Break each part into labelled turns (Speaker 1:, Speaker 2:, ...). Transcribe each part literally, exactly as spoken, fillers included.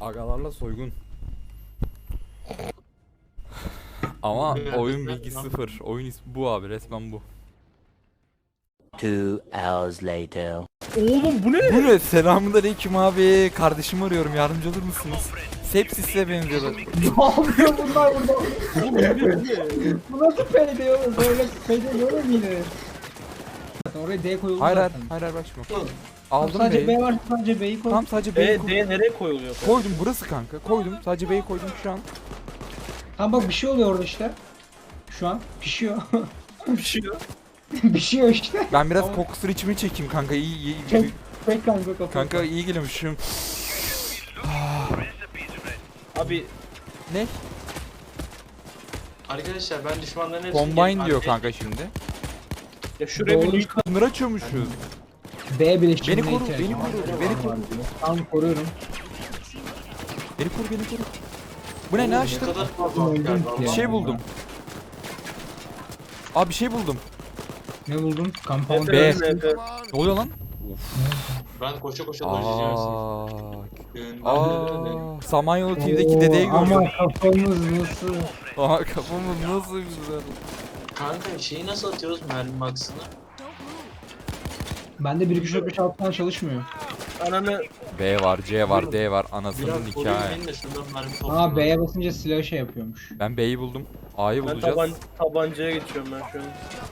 Speaker 1: Agalarla soygun. Ama oyun bilgi sıfır. Oyun ismi bu abi, resmen bu.
Speaker 2: Two hours later.
Speaker 3: Oğlum bu ne?
Speaker 1: Bu ne? Selamünaleyküm abi. Kardeşimi arıyorum. Yardımcı olur musunuz? Sepsis'e benziyorlar.
Speaker 4: Ne yapıyor bunlar burada?
Speaker 3: Oğlum bu ne? Bu ne?
Speaker 4: Bu nasıl payday oğlum? Böyle payday olur mu yine? Zaten oraya D koyuldu
Speaker 1: Hayır hayır,
Speaker 4: zaten.
Speaker 1: hayır hayır bak şimdi.
Speaker 4: Tamam,
Speaker 1: Aldım
Speaker 4: sadece
Speaker 1: B'yi.
Speaker 4: B var, sadece B'yi koy.
Speaker 1: Tam sadece B'yi
Speaker 3: E,
Speaker 1: koydum.
Speaker 3: D nereye koyuluyor?
Speaker 1: Koydum burası kanka. Koydum. Sadece B'yi koydum şu an.
Speaker 4: Tamam bak bir şey oluyor orada işte. Şu an pişiyor.
Speaker 3: Bir şey yok.
Speaker 4: Pişiyor işte.
Speaker 1: Ben biraz
Speaker 4: Tamam.
Speaker 1: kokusunu içimi çekeyim kanka. İyi iyi.
Speaker 4: Çek, çek kanka kafanı.
Speaker 1: Kanka iyi geliyormuşum.
Speaker 3: Abi
Speaker 1: Ne?
Speaker 5: Arkadaşlar ben düşmanların hepsini...
Speaker 1: Combine diyor kanka şimdi.
Speaker 3: ya şuraya
Speaker 4: Doğru.
Speaker 3: bir link
Speaker 1: Bunları açıyormuşuz.
Speaker 4: B bileşimine
Speaker 1: Beni koru,
Speaker 4: ihtiyacım
Speaker 1: beni
Speaker 4: var.
Speaker 1: koru, beni koru.
Speaker 4: Tamam koruyorum.
Speaker 1: Beni koru, beni koru. Bu ne? Ne
Speaker 5: Ne
Speaker 1: açtın?
Speaker 5: kadar fazla
Speaker 4: Öldüm
Speaker 5: asker var.
Speaker 4: ki.
Speaker 1: Bir şey buldum. Abi bir şey buldum.
Speaker 4: Ne buldun? Compound.
Speaker 1: B.
Speaker 3: F, F.
Speaker 1: Ne oluyor lan?
Speaker 5: Ben koşa koşa dolaşacağım sizi.
Speaker 1: Aa, Aa, Samanyolu T V'deki dedeyi gördüm.
Speaker 4: Ama kafamız nasıl?
Speaker 1: Aa, kafamız nasıl güzel.
Speaker 5: Kanka şeyi nasıl atıyoruz mermi maksını?
Speaker 4: Bende bir iki üç dört beş altı falan çalışmıyor.
Speaker 3: Ananı
Speaker 1: B var, C var, D var. Anasının
Speaker 5: Biraz koruyun
Speaker 1: hikaye.
Speaker 5: beni de şuradan mermi
Speaker 4: Aa
Speaker 5: toplayayım.
Speaker 4: B'ye basınca silah şey yapıyormuş.
Speaker 1: Ben B'yi buldum. A'yı
Speaker 3: ben
Speaker 1: bulacağız.
Speaker 3: taban, tabancaya geçiyorum ben şu an.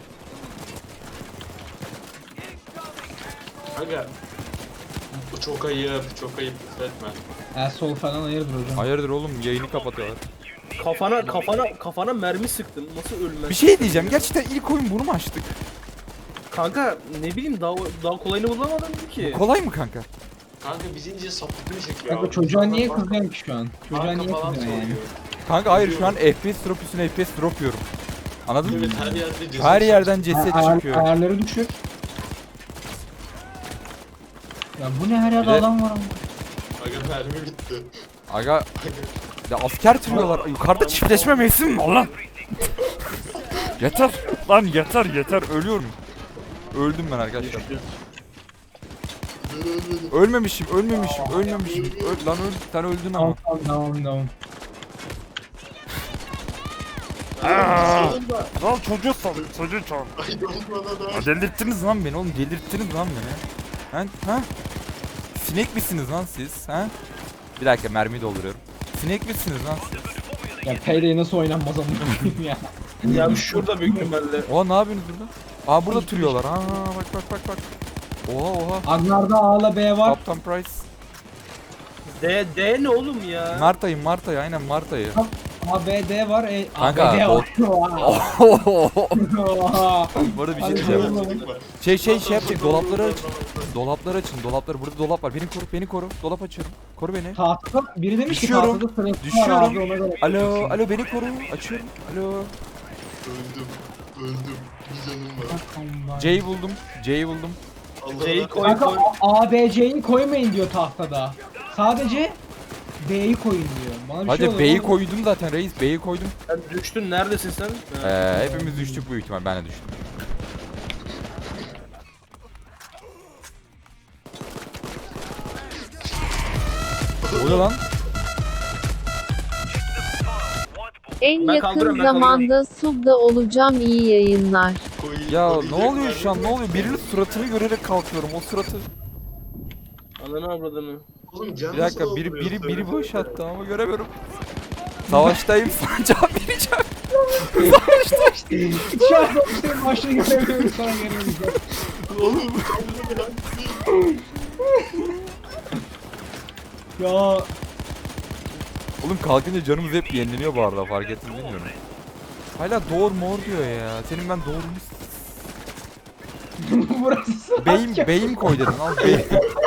Speaker 5: Aga. Bu çok ayıp, çok ayıp lütfetme.
Speaker 4: El sol falan hayırdır hocam.
Speaker 1: Hayırdır oğlum, yayını kapatıyorlar.
Speaker 3: Kafana kafana kafana mermi sıktın. Nasıl ölmez?
Speaker 1: Bir şey diyeceğim. Gerçekten ilk oyun bunu mu açtık?
Speaker 3: Kanka ne bileyim daha daha kolayını bulamadım ki.
Speaker 1: Kolay mı kanka?
Speaker 5: Kanka bizi iyice sapıklığı çekiyor.
Speaker 4: Kanka
Speaker 5: abi.
Speaker 4: çocuğa niye
Speaker 5: Banka-
Speaker 4: kızıyorsun ki şu an? Çocuğa
Speaker 5: banka
Speaker 4: niye
Speaker 5: falan
Speaker 4: kızıyorsun yani?
Speaker 5: soruyor.
Speaker 1: Kanka hayır, şu an F P S drop üstüne F P S drop yiyorum. Anladın mı?
Speaker 5: Evet her yerde ceset.
Speaker 1: Her yerden ceset
Speaker 4: Ayar-
Speaker 1: çıkıyor.
Speaker 4: Ayarları düşür. Ya bu ne her yerde
Speaker 1: Bir de-
Speaker 4: adam var ama.
Speaker 5: Aga mermi bitti.
Speaker 1: Aga ya asker tırıyorlar. Yukarıda çiftleşme mevsimi mi var lan? Yeter. Lan yeter yeter. Ölüyorum. Öldüm ben arkadaşlar. Ölmemişim, ölmemişim, ölmemişim. Öl, lan öl, sen öldün ama.
Speaker 4: Tamam tamam tamam tamam.
Speaker 1: Lan çocuğu sal, çocuğu çal.
Speaker 5: Ay bana da.
Speaker 1: Delirttiniz lan beni oğlum, delirttiniz lan beni. Ha? Ha? Sinek misiniz lan siz? Ha? Bir dakika, mermi dolduruyorum. Sinek misiniz lan siz?
Speaker 4: Ya Payday nasıl oynanmaz amına koyayım ya.
Speaker 3: Ya şurada büyük ihtimalle.
Speaker 1: Oha, ne yapıyorsunuz burada? Aa, burada türüyorlar. Aa, bak bak bak bak. Oha oha.
Speaker 4: Agnar'da A'la B var.
Speaker 1: Captain Price.
Speaker 3: D D ne oğlum ya?
Speaker 1: Mart ayı, Mart ayı, aynen Mart ayı.
Speaker 4: A B D var. E,
Speaker 1: Kanka,
Speaker 4: A B D var.
Speaker 1: Bu arada bir şey
Speaker 4: Hadi
Speaker 1: diyeceğim.
Speaker 4: bakalım.
Speaker 1: Şey şey şey yapın, dolapları açın. Dolapları açın, dolapları. Burada dolap var. Beni koru, beni koru. Dolap açıyorum. Koru beni.
Speaker 4: Tahtada biri demiş ki
Speaker 1: Düşüyorum,
Speaker 4: tahtada sırası var
Speaker 1: düşüyorum.
Speaker 4: abi ona göre.
Speaker 1: Alo, alo beni koru. Açıyorum. Alo.
Speaker 5: Öldüm. Öldüm. Bir canım var.
Speaker 1: C'yi buldum. C'yi buldum.
Speaker 5: Allah
Speaker 3: C'yi
Speaker 5: Allah.
Speaker 3: koy
Speaker 4: Kanka
Speaker 3: koy.
Speaker 4: A B C'yi koymayın diyor tahtada. Sadece B'yi koyun diyor. Bana bir şey
Speaker 1: Hadi
Speaker 4: oluyor
Speaker 1: B'yi
Speaker 4: lan.
Speaker 1: koydum zaten reis. B'yi koydum.
Speaker 3: Sen düştün neredesin sen? Ha.
Speaker 1: Ee, hepimiz düştük büyük ihtimal. Ben de düştüm. Ne oluyor lan?
Speaker 6: En
Speaker 3: Ben
Speaker 6: yakın
Speaker 3: kaldırıyorum, ben
Speaker 6: zamanda subda olacağım, iyi yayınlar.
Speaker 5: Koyun-
Speaker 1: Ya ne
Speaker 5: koyacak
Speaker 1: oluyor şu an? Ne
Speaker 5: mermi-
Speaker 1: oluyor? Birinin suratını görerek kalkıyorum. O suratı.
Speaker 3: Ananı avradını.
Speaker 5: Oğlum can
Speaker 1: Bir dakika,
Speaker 5: nasıl
Speaker 1: biri
Speaker 5: dolduruyor?
Speaker 1: biri biri
Speaker 5: Söylesene.
Speaker 1: boş attı ama göremiyorum. Savaştayım, sana cevap vereceğim.
Speaker 4: Şu an konuştuğum başlığı göremiyorum sana geliyorum.
Speaker 5: Oğlum
Speaker 4: Ya
Speaker 1: Oğlum kalkınca canımız hep yenileniyor bu arada, fark ettim bilmiyorum. Hala doğur mor diyor ya. Senin ben doğrumu
Speaker 4: burası
Speaker 1: beyim beyim koy dedin al beyim.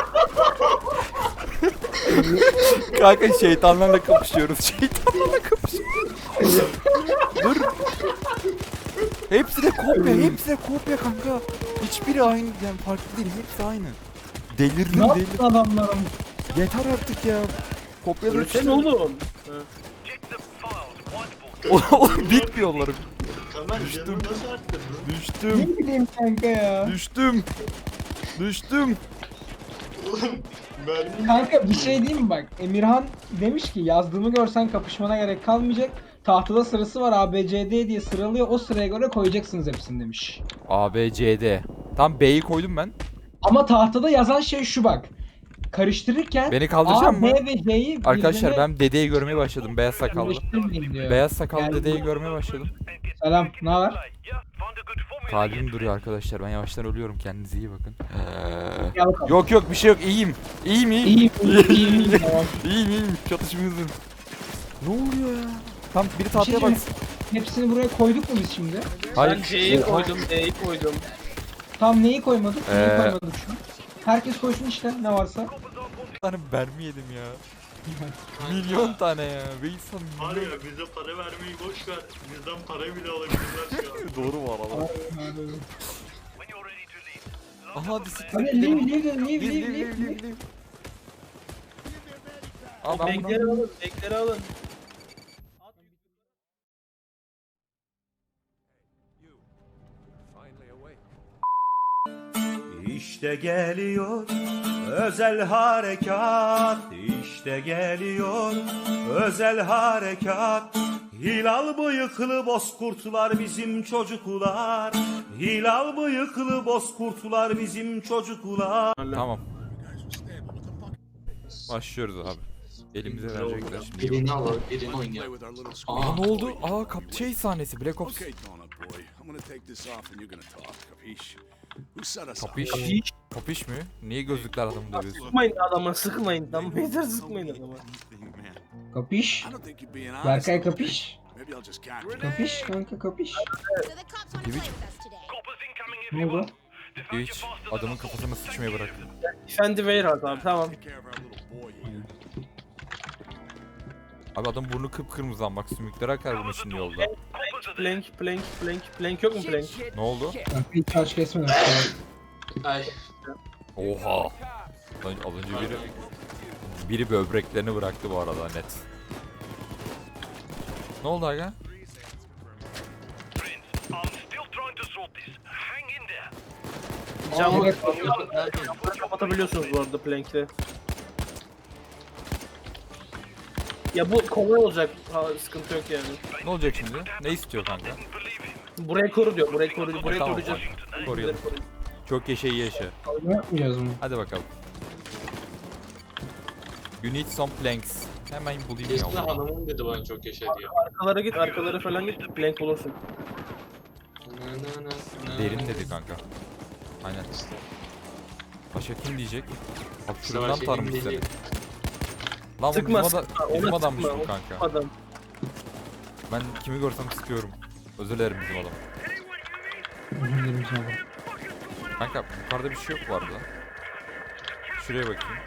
Speaker 1: Kanka şeytanlarla kapışıyoruz. Şeytanlarla kapışıyoruz. Dur. Hepsi de kopya, hepsi de kopya kanka. Hiçbiri aynı, yani farklı değil, hepsi aynı. Delirdim
Speaker 4: ne
Speaker 1: delirdim.
Speaker 4: yaptın adamlarım?
Speaker 1: Yeter artık ya. Kopyaları
Speaker 3: Ölsene oğlum. Ha.
Speaker 1: Oğlum bitmiyorlar.
Speaker 5: Kamer
Speaker 1: Düştüm.
Speaker 5: canını nasıl arttırdın?
Speaker 1: Düştüm.
Speaker 4: Ne bileyim kanka ya.
Speaker 1: Düştüm. Düştüm.
Speaker 5: Oğlum mermi.
Speaker 4: Kanka bir şey diyeyim mi bak. Emirhan demiş ki yazdığımı görsen kapışmana gerek kalmayacak. Tahtada sırası var A B C D diye sıralıyor. O sıraya göre koyacaksınız hepsini demiş.
Speaker 1: A, B, C, D. Tam B'yi koydum ben.
Speaker 4: Ama tahtada yazan şey şu bak. Karıştırırken
Speaker 1: Beni kaldıracak
Speaker 4: A,
Speaker 1: mı?
Speaker 4: B ve C'yi
Speaker 1: Arkadaşlar
Speaker 4: birbirine
Speaker 1: ben dedeyi görmeye başladım. Beyaz sakallı.
Speaker 4: birleştirmeyin diyor.
Speaker 1: Beyaz sakallı
Speaker 4: Yani-
Speaker 1: dedeyi görmeye başladım.
Speaker 4: Selam, ne haber?
Speaker 1: Kalbim duruyor arkadaşlar. Ben yavaştan ölüyorum. Kendinize iyi bakın.
Speaker 4: Gel bakalım.
Speaker 1: Yok yok bir şey yok. İyiyim. İyiyim iyiyim.
Speaker 4: İyiyim, iyiyim, iyiyim, iyiyim. Tamam.
Speaker 1: İyiyim iyiyim. Çatışmıyorsun. Ne oluyor ya? Tam biri tahtaya
Speaker 4: şey
Speaker 1: baksın.
Speaker 4: Hepsini buraya koyduk mu biz şimdi?
Speaker 1: Hayır.
Speaker 3: Ben C'yi koydum, D'yi koydum.
Speaker 4: Tam neyi koymadık? Neyi
Speaker 1: Ee.
Speaker 4: koymadık şu an? Herkes koysun işte ne varsa.
Speaker 1: Bir tane mermi yedim ya. Milyon tane ya. Ve insan
Speaker 5: Var
Speaker 1: milyon.
Speaker 5: ya bize para vermeyi boş ver. Bizden para bile alabilirler şu an.
Speaker 1: Doğru var Allah. Aha bisiklet.
Speaker 4: Hadi leave, leave, leave, leave,
Speaker 1: Leave,
Speaker 4: leave,
Speaker 1: leave,
Speaker 4: leave.
Speaker 1: leave, leave. Aa ben
Speaker 3: Bekleri
Speaker 1: bunu...
Speaker 3: alın, bekleri alın.
Speaker 2: İşte geliyor özel harekat, işte geliyor özel harekat. Hilal bıyıklı bozkurtlar bizim çocuklar, hilal bıyıklı bozkurtlar bizim çocuklar.
Speaker 1: Tamam. Başlıyoruz abi. Elimize verecekler şimdi.
Speaker 5: Birini al, birini oynayalım.
Speaker 1: Aa ne oldu? Aa kap şey sahnesi Black Ops.
Speaker 7: Okay, Donut boy. I'm gonna take this off and you're gonna talk. Capiche? Who set us up?
Speaker 1: Kapiş. Kapiş mi? Niye gözlükler adamı dövüyorsun?
Speaker 3: Sıkmayın adama, sıkmayın. Tamam, yeter sıkmayın adama.
Speaker 4: Kapış.
Speaker 7: I don't think you're being honest.
Speaker 4: Berkay kapış.
Speaker 7: Maybe I'll just catch you.
Speaker 4: Kapış kanka kapış.
Speaker 8: So the cops want to play with us today.
Speaker 4: Ne oldu?
Speaker 1: Hiç adamın kafasına sıçmaya bıraktı.
Speaker 3: Efendi Warehouse abi, tamam.
Speaker 7: Take care of our little boy here.
Speaker 1: Abi adam burnu kıpkırmızı ama bak sümükleri akar bunun şimdi yolda.
Speaker 3: Plank, plank, plank, plank yok mu plank?
Speaker 1: Ne oldu?
Speaker 4: Kanka hiç taş kesmedim.
Speaker 5: Ay.
Speaker 1: Oha. Az az önce biri biri böbreklerini bıraktı bu arada net. Ne oldu aga?
Speaker 3: Camı
Speaker 4: Evet.
Speaker 3: kapatabiliyorsunuz bu arada plank'te. Ya bu kolay olacak, ha, sıkıntı yok yani.
Speaker 1: Ne olacak şimdi? Ne istiyor kanka?
Speaker 3: Burayı koru diyor, burayı koru, burayı
Speaker 1: Tamam,
Speaker 3: koruyacağız.
Speaker 1: koruyalım. Çok yaşa iyi yaşa.
Speaker 4: Ne yapmayacağız bunu?
Speaker 1: Hadi bakalım. You need some planks. Hemen bulayım ya.
Speaker 5: Esna hanımım dedi bana çok yaşa diye.
Speaker 3: Arkalara git, arkalara falan git, plank bulursun.
Speaker 1: Derin dedi kanka. Aynen. Başka kim diyecek? Bak şuradan
Speaker 5: Başka kim
Speaker 1: tanımış seni.
Speaker 5: diyecek?
Speaker 1: Lan bu
Speaker 3: Sıkma,
Speaker 1: bizim, ada
Speaker 3: sıkma,
Speaker 1: bizim
Speaker 3: ona
Speaker 1: adammış
Speaker 3: sıkma,
Speaker 1: bu
Speaker 3: o
Speaker 1: kanka.
Speaker 3: Adam.
Speaker 1: Ben kimi görsem sıkıyorum. Özür dilerim bizim adam.
Speaker 4: Özür dilerim sana.
Speaker 1: Kanka yukarıda bir şey yok bu arada. Şuraya bakayım.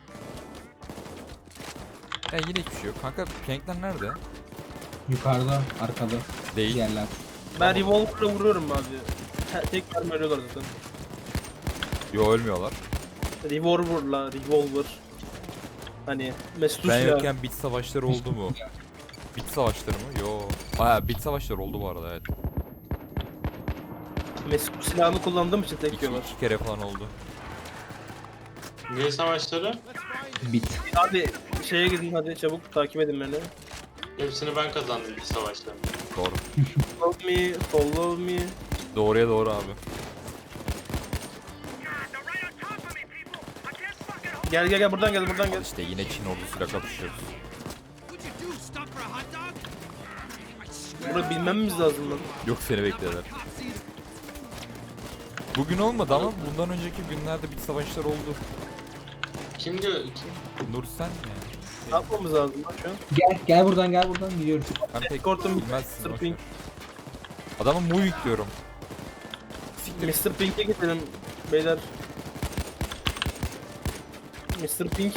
Speaker 1: Ya yine hiçbir şey yok. Kanka plankler nerede?
Speaker 4: Yukarıda, arkada.
Speaker 1: Değil.
Speaker 4: Yerler.
Speaker 3: Ben revolver'la vuruyorum abi. Te- Tek mermi ölüyorlar zaten.
Speaker 1: Yo ölmüyorlar.
Speaker 3: Revolver'la, revolver. Hani Mesut
Speaker 1: Ben
Speaker 3: Özil
Speaker 1: yokken bit savaşları oldu mu? Bit savaşları mı? Yo. Baya bit savaşları oldu bu arada evet.
Speaker 3: Mesut silahını kullandığım için tek
Speaker 1: İki,
Speaker 3: yiyorlar.
Speaker 1: iki kere falan oldu.
Speaker 5: Niye savaşları?
Speaker 4: Bit.
Speaker 3: Abi şeye gidin hadi çabuk takip edin beni.
Speaker 5: Hepsini ben kazandım bir savaşta.
Speaker 1: Doğru.
Speaker 3: Follow me, follow me.
Speaker 1: Doğruya doğru abi.
Speaker 3: Gel gel gel buradan gel buradan
Speaker 1: Al
Speaker 3: gel.
Speaker 1: işte yine Çin ordusuyla kapışıyoruz.
Speaker 3: Burada bilmemiz lazım lan.
Speaker 1: Yok seni bekliyorlar. Bugün olmadı ama bundan önceki günlerde bit savaşları oldu.
Speaker 5: Kim diyor? Kim?
Speaker 1: Nur sen mi?
Speaker 3: Ne yapmamız lazım lan şu an?
Speaker 4: Gel, gel buradan gel buradan gidiyoruz.
Speaker 1: Ben pek
Speaker 3: Escort'um
Speaker 1: bilmezsin.
Speaker 3: Mister
Speaker 1: boş
Speaker 3: Pink.
Speaker 1: ver. Adama moving diyorum. Siktir.
Speaker 3: mister Pink'e gidelim beyler. mister Pink.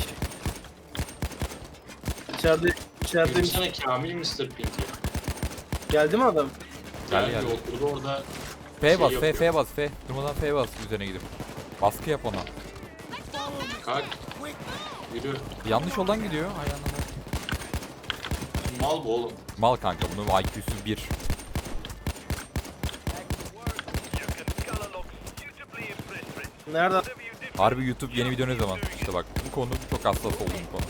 Speaker 3: İçeride, içeride
Speaker 5: Gelsene Kamil mister Pink'i.
Speaker 3: geldi mi adam?
Speaker 1: Geldi,
Speaker 5: Geldi
Speaker 1: geldi.
Speaker 5: oturdu orada.
Speaker 1: F bas,
Speaker 5: şey
Speaker 1: F,
Speaker 5: yapıyor.
Speaker 1: F bas, F. Durmadan F bas üzerine gidip. Baskı yap ona.
Speaker 5: Kalk. Yürü.
Speaker 1: Yanlış yoldan gidiyor. Ay anladım.
Speaker 5: Mal bu oğlum.
Speaker 1: Mal kanka bunun I Q'su bir.
Speaker 3: Nerede?
Speaker 1: Harbi YouTube yeni video ne zaman? İşte bak bu konu çok hassas olduğum konu.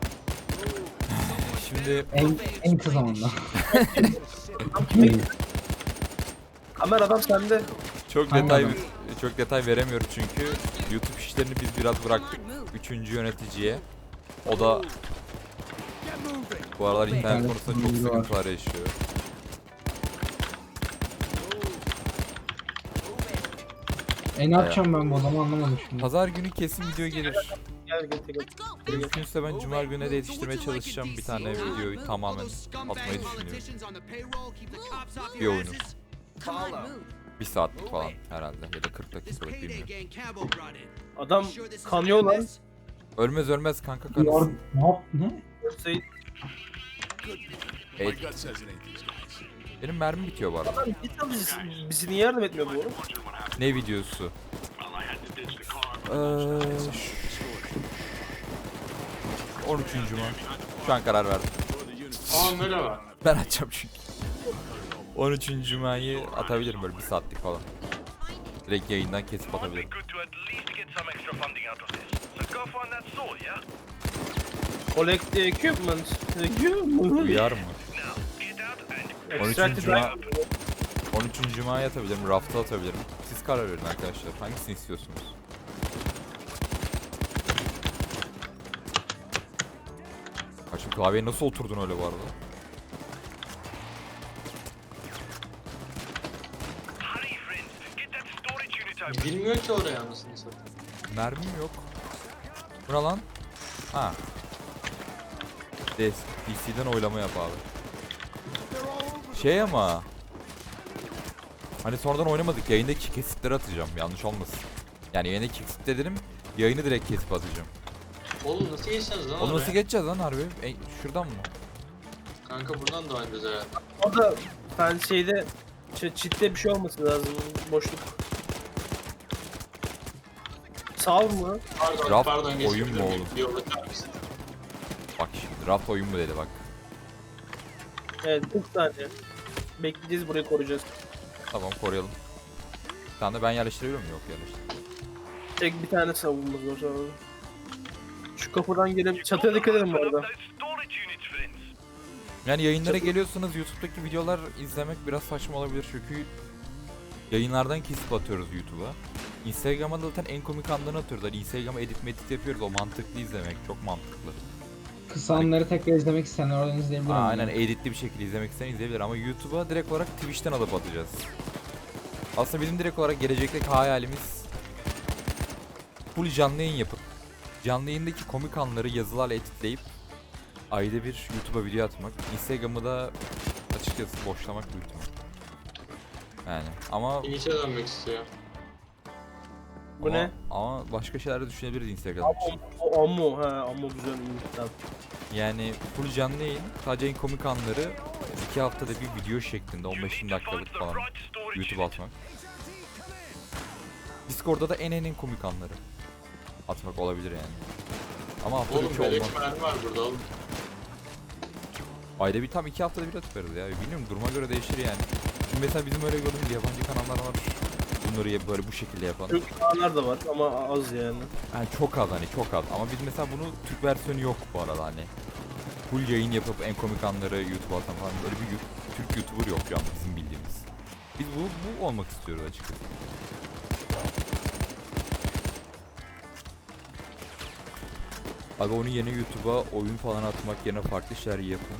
Speaker 1: Şimdi
Speaker 4: En, en kısa zamanda.
Speaker 3: Adam kime gitti? Kamera adam sende.
Speaker 1: çok
Speaker 4: Hangi
Speaker 1: detay
Speaker 4: adam?
Speaker 1: çok detay veremiyorum çünkü YouTube işlerini biz biraz bıraktık üçüncü yöneticiye. O da bu aralar internet
Speaker 4: Evet,
Speaker 1: konusunda çok
Speaker 4: bilgi var.
Speaker 1: sıkıntılar yaşıyor.
Speaker 4: E ne yapacağım ben bu adamı anlamadım şimdi.
Speaker 1: Pazar günü kesin video gelir.
Speaker 3: Gel gel gel.
Speaker 8: Let's go.
Speaker 1: Mümkünse ben cuma gününe de yetiştirmeye çalışacağım bir tane videoyu tamamen atmayı düşünüyorum. Bir oyunu. Bir saatlik falan herhalde ya da kırk dakikalık bilmiyorum.
Speaker 3: Adam kanıyor lan.
Speaker 1: Ölmez ölmez kanka
Speaker 4: Yar,
Speaker 1: kanısın.
Speaker 4: ne yap ne?
Speaker 3: Şey,
Speaker 1: Evet,
Speaker 7: My gut says it ain't these guys.
Speaker 1: benim mermi bitiyor bu arada.
Speaker 3: lan git lan bizi, bizi niye yardım etmiyor bu oğlum?
Speaker 1: Ne videosu? Eee, on üçüncü Cuma. Şu an karar verdim.
Speaker 5: Aa merhaba.
Speaker 1: Ben açacağım çünkü. on üçüncü Cuma'yı atabilirim böyle bir saatlik falan. Direkt yayından kesip atabilirim.
Speaker 3: Collect the equipment. Equipment.
Speaker 1: Uyar mı? on üçüncü
Speaker 3: Extracted
Speaker 1: Cuma on üçüncü Cuma'ya atabilirim, rafta atabilirim. Siz karar verin arkadaşlar. Hangisini istiyorsunuz? Ha şu klavyeye nasıl oturdun öyle bu arada?
Speaker 5: Bilmiyor ki oraya anasını satayım.
Speaker 1: Mermim yok. Buna lan. Ha. D C'den oylama yap abi. Şey ama. Hani sonradan oynamadık. Yayındaki kesitleri atacağım. Yanlış olmasın. Yani yayındaki kesitleri dedim. Yayını direkt kesip atacağım.
Speaker 5: Oğlum nasıl geçeceğiz lan
Speaker 1: Onu
Speaker 5: oraya?
Speaker 1: nasıl geçeceğiz lan harbi? E, şuradan mı?
Speaker 5: Kanka buradan da oynayacağız herhalde.
Speaker 3: O da ben şeyde ç- çitte bir şey olması lazım. Boşluk. Sağ mı?
Speaker 5: Pardon
Speaker 1: Raft
Speaker 5: pardon geçebilir
Speaker 1: oyun mu
Speaker 5: miyim?
Speaker 1: oğlum?
Speaker 5: Bir yola çarpmışsın.
Speaker 1: Bak şimdi raft oyun mu dedi bak.
Speaker 3: Evet kırk saniye. Bekleyeceğiz, burayı koruyacağız.
Speaker 1: Tamam koruyalım. Bir tane de ben yerleştirebiliyor muyum? Yok yerleştir.
Speaker 3: Tek bir tane savunmamız var sonra. Şu kapıdan gelip çatıya dikkat edin bu arada.
Speaker 1: Yani yayınlara geliyorsanız YouTube'daki videolar izlemek biraz saçma olabilir çünkü yayınlardan kesip atıyoruz YouTube'a. Instagram'a da zaten en komik anlarını atıyoruz. Hani Instagram'a edit medit yapıyoruz. O mantıklı izlemek. Çok mantıklı.
Speaker 4: Kısa anları tekrar izlemek isteyenler oradan izleyebilir.
Speaker 1: Aa,
Speaker 4: mi?
Speaker 1: aynen editli bir şekilde izlemek isteyen izleyebilir ama YouTube'a direkt olarak Twitch'ten alıp atacağız. Aslında bizim direkt olarak gelecekteki hayalimiz full canlı yayın yapıp canlı yayındaki komik anları yazılarla editleyip ayda bir YouTube'a video atmak. Instagram'ı da açıkçası boşlamak büyük ihtimal. Yani ama
Speaker 5: İniçe dönmek istiyor.
Speaker 3: Bu
Speaker 1: ama,
Speaker 3: ne?
Speaker 1: ama başka şeyler de düşünebiliriz Instagram için.
Speaker 3: O ammo, he ammo güzel. Tamam.
Speaker 1: Yani full canlı yayın, sadece en komik anları iki haftada bir video şeklinde on beş dakikalık falan YouTube'a atmak. Discord'da da en en en komik anları atmak olabilir yani. Ama haftada
Speaker 5: Oğlum
Speaker 1: üç olmaz.
Speaker 5: belek mermi var burada oğlum.
Speaker 1: Ayda bir tam iki haftada bir atıveririz ya. Bilmiyorum duruma göre değişir yani. Şimdi mesela bizim öyle gördüğümüz yabancı kanallar var. Bunları ya- böyle bu şekilde yapan.
Speaker 3: Türk kanallar da var ama az yani.
Speaker 1: Yani çok az hani çok az ama biz mesela bunu Türk versiyonu yok bu arada hani. Full yayın yapıp en komik anları YouTube'a atan falan böyle bir yu- Türk YouTuber yok şu an bizim bildiğimiz. Biz bu, bu olmak istiyoruz açıkçası. Abi onu yeni YouTube'a oyun falan atmak yerine farklı şeyler yapın.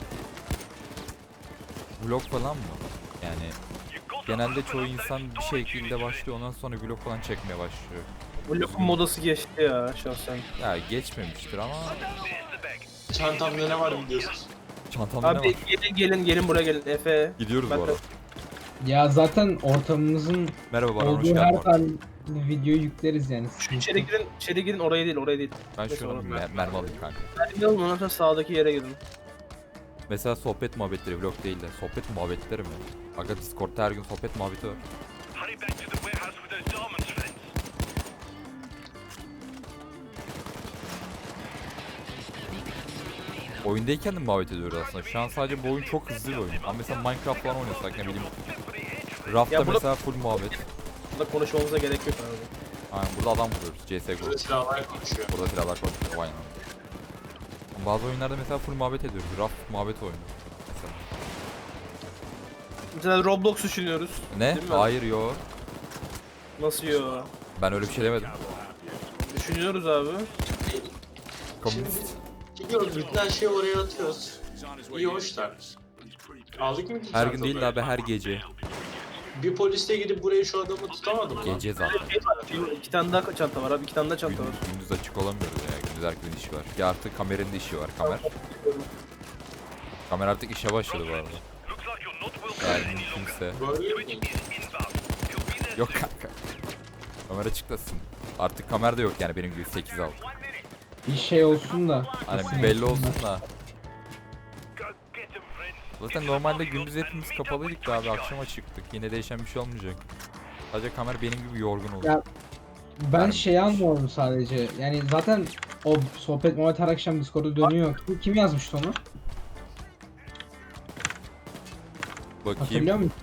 Speaker 1: Vlog falan mı? Yani genelde çoğu insan bir şekilde başlıyor ondan sonra vlog falan çekmeye başlıyor.
Speaker 3: Bu lafın modası geçti ya şahsen.
Speaker 1: Ya geçmemiştir ama
Speaker 5: Çantamda ne var biliyorsun.
Speaker 1: çantamda ne
Speaker 3: Abi
Speaker 1: var?
Speaker 3: gelin gelin gelin buraya gelin Efe.
Speaker 1: Gidiyoruz
Speaker 3: Ben
Speaker 1: bu
Speaker 3: de-
Speaker 1: arada.
Speaker 4: Ya zaten ortamımızın
Speaker 1: Merhaba Baran hoş
Speaker 4: olduğu
Speaker 1: geldin.
Speaker 4: her
Speaker 1: bu arada.
Speaker 4: tane videoyu yükleriz yani.
Speaker 3: Şu içeri girin, içeri girin oraya değil oraya değil.
Speaker 1: Ben
Speaker 3: Neyse,
Speaker 1: şunu
Speaker 3: orası.
Speaker 1: mer mermi alayım kanka.
Speaker 3: Hadi alın ondan sonra sağdaki yere girin.
Speaker 1: Mesela sohbet muhabbetleri vlog değil de sohbet muhabbetleri mi? Aga Discord'da her gün sohbet muhabbeti var. Oyundayken de muhabbet ediyoruz aslında. Şu an sadece bu oyun çok hızlı bir oyun. Ama mesela Minecraft falan oynasak ne bileyim. Raft'ta
Speaker 3: Ya burada-
Speaker 1: mesela full muhabbet.
Speaker 3: Burada konuşmamıza gerek yok abi.
Speaker 1: Aynen burada adam vuruyoruz. C S G O.
Speaker 5: Burada silahlar konuşuyor.
Speaker 1: Burada silahlar konuşuyor. Aynen. Bazı oyunlarda mesela full muhabbet ediyoruz. Raf muhabbet oyunu. Mesela.
Speaker 3: Mesela Roblox düşünüyoruz.
Speaker 1: Ne?
Speaker 3: Değil mi?
Speaker 1: Hayır yo.
Speaker 3: Nasıl yo?
Speaker 1: Ben öyle bir şey demedim.
Speaker 3: Düşünüyoruz abi.
Speaker 1: Komünist.
Speaker 5: Gidiyoruz bütün her şeyi oraya atıyoruz.
Speaker 7: He's on his
Speaker 5: İyi
Speaker 7: way
Speaker 5: hoşlar.
Speaker 7: in. He's pretty pissed.
Speaker 5: Aldık mı?
Speaker 1: Her gün değil de abi her gece.
Speaker 5: Bir polis de gidip buraya şu adamı tutamadı mı?
Speaker 1: Gece zaten.
Speaker 3: İki tane daha çanta var abi. iki tane daha çanta var.
Speaker 1: Gündüz, gündüz açık olamıyoruz ya. Gündüz herkesin işi var. Ya artık kameranın da işi var. Kamer. Kamer artık işe başladı bu arada. Yani kimse.
Speaker 5: Böyle mi?
Speaker 1: Yok kanka. Kamera çıklasın. Artık kamera da yok yani benim gibi sekiz aldı.
Speaker 4: Bir şey olsun da.
Speaker 1: Hani
Speaker 4: kesin
Speaker 1: belli
Speaker 4: olsun
Speaker 1: olsun
Speaker 4: da.
Speaker 1: da. Zaten normalde gündüz hepimiz kapalıydık da abi akşama çıktık. Yine değişen bir şey olmayacak. Sadece kamer benim gibi yorgun oldu.
Speaker 4: Ya, Ben şeyi anlamadım sadece. Yani zaten o sohbet muhabbet her akşam Discord'da dönüyor. Kim, kim yazmıştı onu?
Speaker 1: Bakayım.
Speaker 4: Hatırlıyor musun?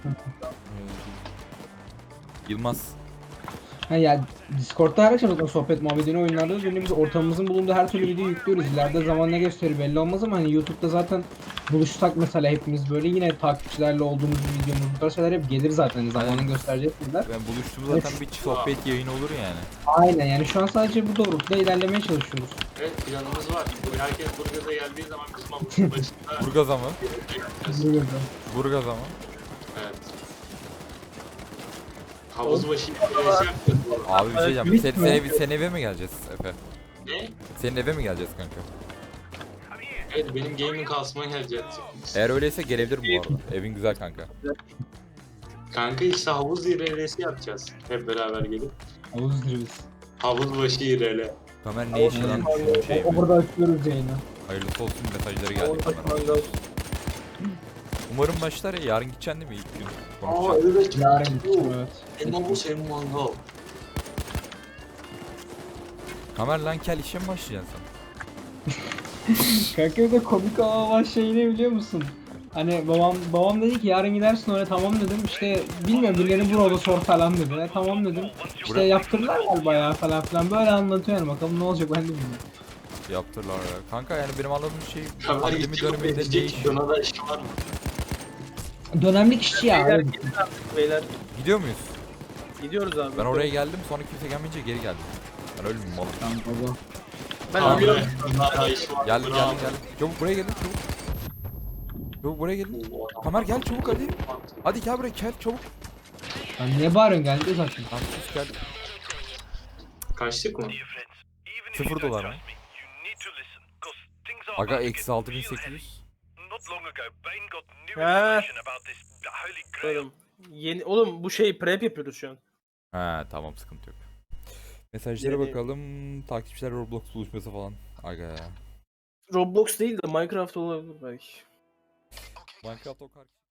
Speaker 1: Yılmaz.
Speaker 4: Ha ya Discord'da her akşam zaten sohbet muhabbetini oyunlarda da dönüyor. Biz ortamımızın bulunduğu her türlü videoyu yüklüyoruz. İleride zaman ne gösterir belli olmaz ama hani YouTube'da zaten buluşsak mesela hepimiz böyle yine takipçilerle olduğumuz bir videomuz bu tarz şeyler hep gelir zaten zamanın göstereceği şeyler.
Speaker 1: Ben buluştuğum zaten bir sohbet yayını olur yani.
Speaker 4: Aynen yani şu an sadece bu doğrultuda ilerlemeye çalışıyoruz.
Speaker 5: Evet planımız var. Bu herkes Burgaz'a geldiği zaman bizim havuzun başında
Speaker 1: Burgaz ama.
Speaker 4: Buyurun.
Speaker 1: Burgaz ama.
Speaker 5: evet. Havuz başı yapacağız.
Speaker 1: Abi bir şey diyeceğim.
Speaker 4: Büyük
Speaker 1: Sen,
Speaker 4: mü?
Speaker 1: sen, ev, sen eve mi geleceğiz Efe?
Speaker 5: Ne?
Speaker 1: Senin eve mi geleceğiz kanka?
Speaker 5: Evet benim gaming kasma gelecek.
Speaker 1: Eğer öyleyse gelebilirim bu arada. Evin güzel kanka.
Speaker 5: Kanka işte havuz I R L'si yapacağız. Hep beraber gelip.
Speaker 4: Havuz zirvesi.
Speaker 5: Havuz başı I R L.
Speaker 1: Kamer ne işi lan düşündüğüm şey
Speaker 4: O, o
Speaker 1: mi?
Speaker 4: burada açıyoruz yayını.
Speaker 1: Hayırlısı olsun mesajları geldi
Speaker 3: Orada
Speaker 1: kamera.
Speaker 3: mangal.
Speaker 1: Umarım başlar ya. Yarın gideceksin değil mi ilk gün?
Speaker 5: Aa
Speaker 1: Konuşacağız.
Speaker 5: evet.
Speaker 4: Yarın gideceğim evet.
Speaker 5: Hem havuz hem mangal.
Speaker 1: Kamer lan kel işe mi başlayacaksın sen?
Speaker 4: Kanka bir de komik olan şey ne biliyor musun? Hani babam babam dedi ki yarın gidersin oraya tamam dedim işte bilmiyorum birileri burada sor falan dedi. E, tamam dedim. İşte
Speaker 1: Bura-
Speaker 4: yaptırırlar galiba ya falan filan böyle anlatıyor yani bakalım ne olacak ben de bilmiyorum.
Speaker 1: Yaptırlar ya. Kanka yani benim anladığım şey
Speaker 5: Kamer
Speaker 1: pandemi
Speaker 5: gidiyor
Speaker 1: döneminde ne
Speaker 5: edecek.
Speaker 1: iş?
Speaker 5: Buna da işi var mı?
Speaker 4: Dönemlik işçi ya.
Speaker 3: Beyler
Speaker 4: öyle.
Speaker 3: gidin artık beyler.
Speaker 1: Gidiyor muyuz?
Speaker 3: Gidiyoruz abi.
Speaker 1: Ben oraya geldim sonra kimse gelmeyince geri geldim. Ben öyle bir malım.
Speaker 4: Baba.
Speaker 3: Ben
Speaker 5: Abi
Speaker 3: alıyorum.
Speaker 5: buna da işi var.
Speaker 1: Geldim
Speaker 5: Bravo.
Speaker 1: geldim geldim. Çabuk buraya gelin çabuk. Çabuk buraya gelin. Kamer gel çabuk hadi. Hadi gel buraya gel çabuk.
Speaker 4: Ya niye bağırıyorsun geldi zaten.
Speaker 1: Lan sus gel.
Speaker 5: Kaçtık mı?
Speaker 1: Sıfır dolar mı? Aga eksi altı bin sekiz yüz.
Speaker 3: He. Oğlum, yeni, oğlum bu şey prep yapıyoruz şu an.
Speaker 1: He tamam sıkıntı yok. Mesajlara
Speaker 3: Yani-
Speaker 1: bakalım. Takipçiler Roblox buluşması falan. Aga ya.
Speaker 3: Roblox değil de Minecraft olabilir belki.
Speaker 1: Minecraft o kadar